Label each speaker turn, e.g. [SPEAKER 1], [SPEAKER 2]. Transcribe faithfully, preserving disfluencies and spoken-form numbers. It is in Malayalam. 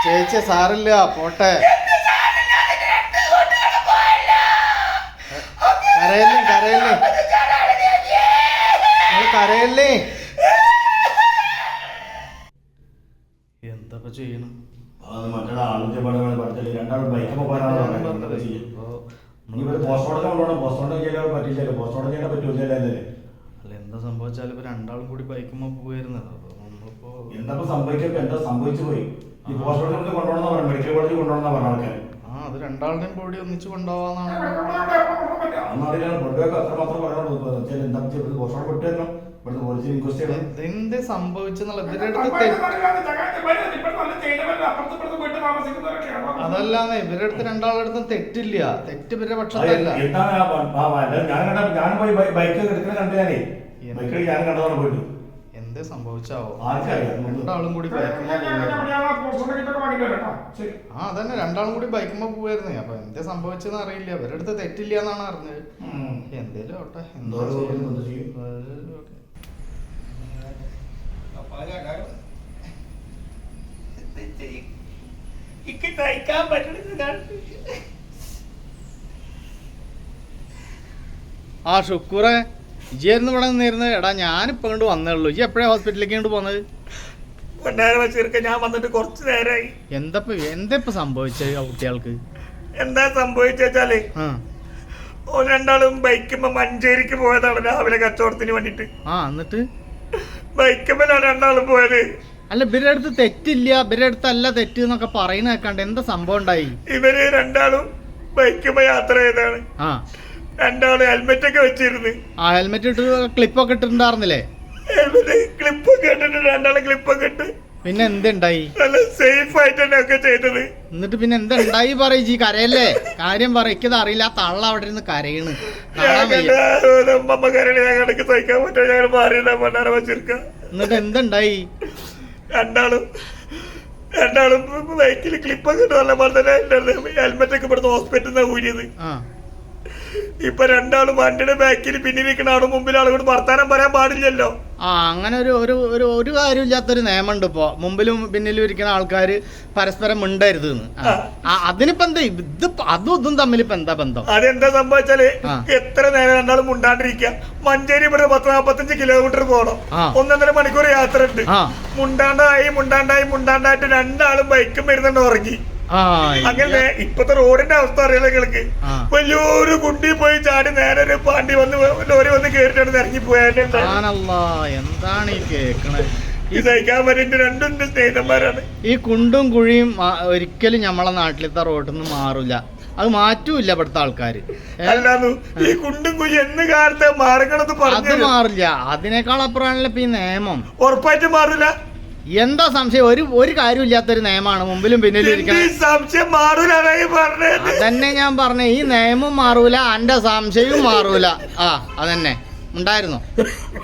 [SPEAKER 1] ചേച്ചി സാറില്ല പോട്ടെ. കരയല്ലേ കരയല്ലേ കരയല്ലേ. എന്താ ചെയ്യണം? അല്ല എന്താ സംഭവിച്ചാലും ഇപ്പൊ രണ്ടാളും കൂടി ബൈക്കുമ്പോ പോയിരുന്നത്. നമ്മളിപ്പോ
[SPEAKER 2] എന്താ സംഭവിച്ചപ്പോ എന്താ സംഭവിച്ചു പോയി? ഈ പോസ്റ്റ്മോർട്ടം കൊണ്ടുപോകണമെന്ന് പറഞ്ഞു, മെഡിക്കൽ കോളേജിൽ കൊണ്ടുപോകണമെന്ന് പറഞ്ഞ ആൾക്കാർ.
[SPEAKER 1] ആ അത് രണ്ടാളുടെയും ബോഡി ഒന്നിച്ച് കൊണ്ടുപോവാന്നാണ്. എന്ത് സംഭവിച്ചെന്നുള്ള ഇവരുടെ അടുത്ത് അതല്ലാന്ന് ഇവരുടെ അടുത്ത് രണ്ടാളുടെ അടുത്തും തെറ്റില്ല. തെറ്റ് ഇവരുടെ പക്ഷത്തല്ല. എന്ത് സംഭവിച്ചാവോ? രണ്ടാളും കൂടി ബൈക്കുമ്പോ ആ അതന്നെ രണ്ടാളും കൂടി ബൈക്കുമ്പോ പോവായിരുന്നേ. അപ്പൊ എന്ത് സംഭവിച്ചെന്ന് അറിയില്ല. ഇവരുടെ അടുത്ത് തെറ്റില്ല എന്നാണ് അറിഞ്ഞത്. എന്തേലും ആവട്ടെ. എന്തോ ആ ഷുക്കൂറെ ഇജിയായിരുന്നു ഇവിടെ നിന്നിരുന്നത്. എടാ ഞാനിപ്പോ കൊണ്ട് വന്നേ ഉള്ളൂ. ഇജി എപ്പോഴാ ഹോസ്പിറ്റലിലേക്ക് കൊണ്ട് പോന്നത്?
[SPEAKER 3] ഞാൻ വന്നിട്ട് കുറച്ച് നേരമായി.
[SPEAKER 1] എന്താ എന്താ ഇപ്പൊ സംഭവിച്ചത് ആ കുട്ടികൾക്ക്?
[SPEAKER 3] എന്താ സംഭവിച്ചാലേ ഓ രണ്ടാളും ബൈക്കുമ്പോ മഞ്ചേരിക്ക് പോയതാണ് രാവിലെ കച്ചവടത്തിന് വേണ്ടിട്ട്.
[SPEAKER 1] ആ എന്നിട്ട്
[SPEAKER 3] ബൈക്കുമ്പോഴാണ് രണ്ടാളും പോയത്.
[SPEAKER 1] അല്ല ഇവരുടെ അടുത്ത് തെറ്റില്ല, ഇവരുടെ അടുത്തല്ല തെറ്റ് എന്നൊക്കെ പറയുന്ന കേൾക്കാണ്ട് എന്താ സംഭവം ഉണ്ടായി?
[SPEAKER 3] ഇവര് രണ്ടാളും ബൈക്കുമ്പോ യാത്ര ചെയ്താണ്.
[SPEAKER 1] ആ
[SPEAKER 3] രണ്ടാളും ഹെൽമെറ്റ് ഒക്കെ വെച്ചിരുന്നു.
[SPEAKER 1] ആ ഹെൽമെറ്റ് ഇട്ട് ക്ലിപ്പൊക്കെ ഇട്ടിട്ടുണ്ടായിരുന്നില്ലേ?
[SPEAKER 3] ഹെൽമെറ്റ് ക്ലിപ്പൊക്കെ ഇട്ടിട്ട് രണ്ടാളും ക്ലിപ്പൊക്കെ ഇട്ട്
[SPEAKER 1] പിന്നെ എന്തുണ്ടായി?
[SPEAKER 3] നല്ല സേഫ് ആയിട്ട് തന്നെ ഒക്കെ ചെയ്തത്.
[SPEAKER 1] എന്നിട്ട് പിന്നെ എന്താ ഉണ്ടായി പറയ്. ജി കരയല്ലേ, കാര്യം പറ. എനിക്കത് അറിയില്ല. ആ തള്ള അവിടെ ഇരുന്ന് കരയണ്.
[SPEAKER 3] അമ്മ കരളി ഞങ്ങൾക്ക് സഹിക്കാൻ പറ്റും. ഞങ്ങൾ മാറിയില്ല മണ്ണാറ വെച്ചിരിക്ക.
[SPEAKER 1] എന്നിട്ട് എന്തുണ്ടായി?
[SPEAKER 3] രണ്ടാളും രണ്ടാളും ബൈക്കിൽ ക്ലിപ്പൊക്കെ ഇട്ട് നല്ല പോലെ തന്നെ ഹെൽമെറ്റ് ഒക്കെ ഇവിടുന്ന് ഹോസ്പിറ്റലിൽ നിന്നാണ് ഊരിയത്. ഇപ്പൊ രണ്ടാളും വണ്ടിയുടെ ബാക്കിൽ പിന്നിലിരിക്കുന്ന ആളും മുമ്പിൽ ആളുകൾ വർത്താനം പറയാൻ പാടില്ലല്ലോ.
[SPEAKER 1] ആ അങ്ങനെ ഒരു ഒരു ഒരു ഒരു കാര്യമില്ലാത്തൊരു നിയമമുണ്ട് ഇപ്പൊ. മുമ്പിലും പിന്നിലും ഇരിക്കുന്ന ആൾക്കാർ പരസ്പരം മിണ്ടരുത്. അതിനിപ്പോ എന്താ ഇത്? അതും ഇതും തമ്മിൽ ഇപ്പൊ എന്താ ബന്ധം?
[SPEAKER 3] അതെന്താ സംഭവിച്ചാല് എത്ര നേരം രണ്ടാളും മുണ്ടാണ്ടിരിക്കുക. മഞ്ചേരി ഇവിടെ പത്ത് നാപ്പത്തഞ്ച് കിലോമീറ്റർ പോകണം. ഒന്നൊന്നര മണിക്കൂർ യാത്ര ഉണ്ട്. മുണ്ടാണ്ടായി മുണ്ടാണ്ടായി മുണ്ടാണ്ടായിട്ട് രണ്ടാളും ബൈക്കും വരുന്നുണ്ട് ഉറങ്ങി. അങ്ങനെ ഇപ്പത്തെ റോഡിന്റെ അവസ്ഥ അറിയാലോ നിങ്ങൾക്ക്. വലിയൊരു കുണ്ടി പോയി ചാടി നേരെ ഒരു പാണ്ടി വന്ന് ലോറി വന്ന് കേറിട്ടാണ് ഇറങ്ങി പോയാൽ.
[SPEAKER 1] എന്താണ് ഈ കേക്കണത്?
[SPEAKER 3] ഈ സഹിക്കാൻ പറ്റുന്ന രണ്ടും സ്നേഹിതന്മാരാണ്.
[SPEAKER 1] ഈ കുണ്ടും കുഴിയും ഒരിക്കലും നമ്മളെ നാട്ടിലത്തെ റോഡിൽ നിന്ന് മാറില്ല. അത് മാറ്റൂല്ല ഇവിടുത്തെ ആൾക്കാര്.
[SPEAKER 3] അല്ലാന്നു ഈ കുണ്ടും കുഴി എന്ന് കാലത്ത് മാറണത്
[SPEAKER 1] അത് മാറില്ല. അതിനേക്കാൾ അപ്പുറമാണല്ലോ ഇപ്പൊ ഈ നിയമം.
[SPEAKER 3] ഉറപ്പായിട്ടും മാറില്ല.
[SPEAKER 1] എന്താ സംശയം? ഒരു ഒരു കാര്യമില്ലാത്തൊരു നിയമമാണ് മുമ്പിലും പിന്നിലും ഇരിക്കണം.
[SPEAKER 3] സംശയം മാറൂല
[SPEAKER 1] അതന്നെ ഞാൻ പറഞ്ഞ. ഈ നിയമം മാറൂല, എന്റെ സംശയവും മാറൂല. ആ അതന്നെ ഉണ്ടായിരുന്നു.